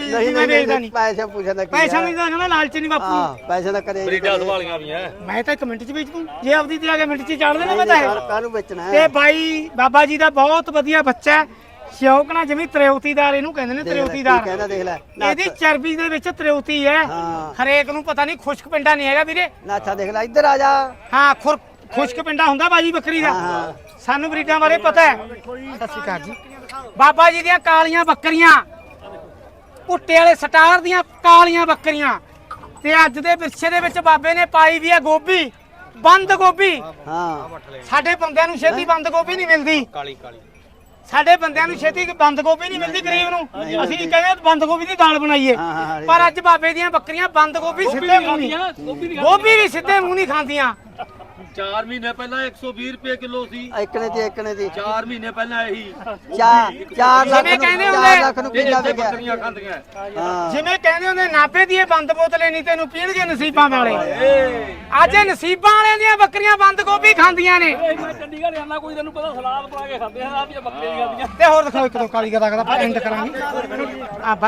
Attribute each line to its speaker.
Speaker 1: ਦੀ ਮੈਂ ਵੇਚਦਾ ਨਹੀਂ
Speaker 2: ਪੈਸੇ ਪੁੱਛਦਾ ਕੀ
Speaker 1: ਪੈਸਾ ਨਹੀਂ ਤਾਂ ਕਹਿੰਦਾ ਲਾਲਚ ਨਹੀਂ ਬਾਪੂ
Speaker 2: ਹਾਂ ਪੈਸੇ ਦਾ ਕਰੇ
Speaker 3: ਬਰੀਡਾਂ ਸੰਭਾਲੀਆਂ ਵੀ ਐ
Speaker 1: ਮੈਂ ਤਾਂ 1 ਮਿੰਟ ਚ ਵੇਚ ਦੂੰ ਜੇ ਆਪਦੀ ਤੇ ਆ ਕੇ ਮਿੰਟ ਚ ਚਾੜ ਦੇਣਾ ਮੈਂ ਤਾਂ ਇਹ।
Speaker 2: ਕਾਹਨੂੰ ਵੇਚਣਾ
Speaker 1: ਤੇ ਬਾਈ ਬਾਬਾ ਜੀ ਦਾ ਬਹੁਤ ਵਧੀਆ ਬੱਚਾ ਹੈ ਸ਼ੌਕਣਾ ਜਿਵੇਂ ਤ੍ਰਿਉਤੀਦਾਰ ਇਹਨੂੰ ਕਹਿੰਦੇ ਨੇ ਤ੍ਰਿਉਤੀਦਾਰ
Speaker 2: ਕਹਿੰਦਾ ਦੇਖ ਲੈ
Speaker 1: ਇਹਦੀ ਚਰਬੀ ਦੇ ਵਿੱਚ ਤ੍ਰਿਉਤੀ ਹੈ
Speaker 2: ਹਾਂ
Speaker 1: ਹਰੇਕ ਨੂੰ ਪਤਾ ਨਹੀਂ ਖੁਸ਼ਕ ਪਿੰਡਾ ਨਹੀਂ ਹੈਗਾ ਵੀਰੇ
Speaker 2: ਨਾਥਾ ਦੇਖ ਲੈ ਇੱਧਰ ਆ ਜਾ
Speaker 1: ਹਾਂ ਖੁਸ਼ਕ ਪਿੰਡਾ ਹੁੰਦਾ ਬਾਜੀ ਬੱਕਰੀ ਦਾ
Speaker 2: ਹਾਂ।
Speaker 1: ਸਾਨੂੰ ਬਰੀਡਾਂ ਬਾਰੇ ਪਤਾ ਹੈ ਸਤਿ ਸ਼੍ਰੀ ਅਕਾਲ ਜੀ ਬਾਬਾ ਜੀ ਦੀਆਂ ਕਾਲੀਆਂ ਬੱਕਰੀਆਂ ਭੁੱਟੇ ਵਾਲੇ ਸਟਾਰ ਦੀਆਂ ਕਾਲੀਆਂ ਬੱਕਰੀਆਂ ਤੇ ਅੱਜ ਦੇ ਵਿਰਸੇ ਦੇ ਵਿੱਚ ਬਾਬੇ ਨੇ ਪਾਈ ਵੀ ਹੈ ਗੋਭੀ ਬੰਦ ਗੋਭੀ
Speaker 2: ਹਾਂ
Speaker 1: ਸਾਡੇ ਬੰਦਿਆਂ ਨੂੰ ਛੇਤੀ ਬੰਦ ਗੋਭੀ ਨਹੀਂ ਮਿਲਦੀ
Speaker 3: ਕਾਲੀ
Speaker 1: ਸਾਡੇ ਬੰਦਿਆਂ ਨੂੰ ਛੇਤੀ ਬੰਦ ਗੋਭੀ ਨਹੀਂ ਮਿਲਦੀ ਗਰੀਬ ਨੂੰ ਅਸੀਂ ਕਹਿੰਦੇ ਬੰਦ ਗੋਭੀ ਦੀ ਦਾਲ ਬਣਾਈਏ
Speaker 2: ਹਾਂ,
Speaker 1: ਪਰ ਅੱਜ ਬਾਬੇ ਦੀਆਂ ਬੱਕਰੀਆਂ ਬੰਦ ਗੋਭੀ ਸਿੱਧੇ ਮੂੰਹ ਨਹੀਂ ਗੋਭੀ ਵੀ ਸਿੱਧੇ ਮੂੰਹ ਨਹੀਂ ਖਾਂਦੀਆਂ
Speaker 3: 4 ਮਹੀਨੇ ਪਹਿਲਾਂ 120 ਰੁਪਏ ਕਿਲੋ ਸੀ
Speaker 2: ਇੱਕਨੇ ਦੀ
Speaker 3: 4 ਮਹੀਨੇ ਪਹਿਲਾਂ ਇਹੀ
Speaker 2: 4 ਲੱਖ
Speaker 1: ਜਿਵੇਂ
Speaker 2: ਨੂੰ
Speaker 1: ਕਹਿੰਦੇ
Speaker 2: 4
Speaker 1: ਹੁੰਦੇ
Speaker 2: ਲੱਖ ਨੂੰ ਕਿੱਲਾ
Speaker 3: ਇੱਥੇ
Speaker 2: ਵਿਕਿਆ
Speaker 3: ਬੱਕਰੀਆਂ ਖਾਂਦੀਆਂ
Speaker 2: ਹਾਂ
Speaker 1: ਜਿਵੇਂ ਕਹਿੰਦੇ ਹੁੰਦੇ ਨਾਭੇ ਦੀ ਇਹ ਬੰਦ ਬੋਤਲੇ ਨਹੀਂ ਤੈਨੂੰ ਪੀਣਗੇ ਨਸੀਬਾਂ ਵਾਲੇ ਅੱਜ ਇਹ ਨਸੀਬਾਂ ਵਾਲਿਆਂ ਦੀਆਂ ਬੱਕਰੀਆਂ ਬੰਦ ਗੋਭੀ ਖਾਂਦੀਆਂ ਨੇ
Speaker 4: ਮੈਂ ਚੰਡੀਗੜ੍ਹ ਜਾਂਦਾ ਕੋਈ ਤੈਨੂੰ ਪਤਾ ਸਲਾਦ ਪਾ ਕੇ ਖਾਂਦੇ ਆ ਆਪ ਹੀ ਬੱਕਰੇ ਦੀ ਖਾਂਦੀਆਂ
Speaker 1: ਤੇ ਹੋਰ ਦਿਖਾਓ ਇੱਕ ਦੋ ਕਾਲੀ ਗਦਾ ਆਪਾਂ ਐਂਡ ਕਰਾਂਗੇ ਆ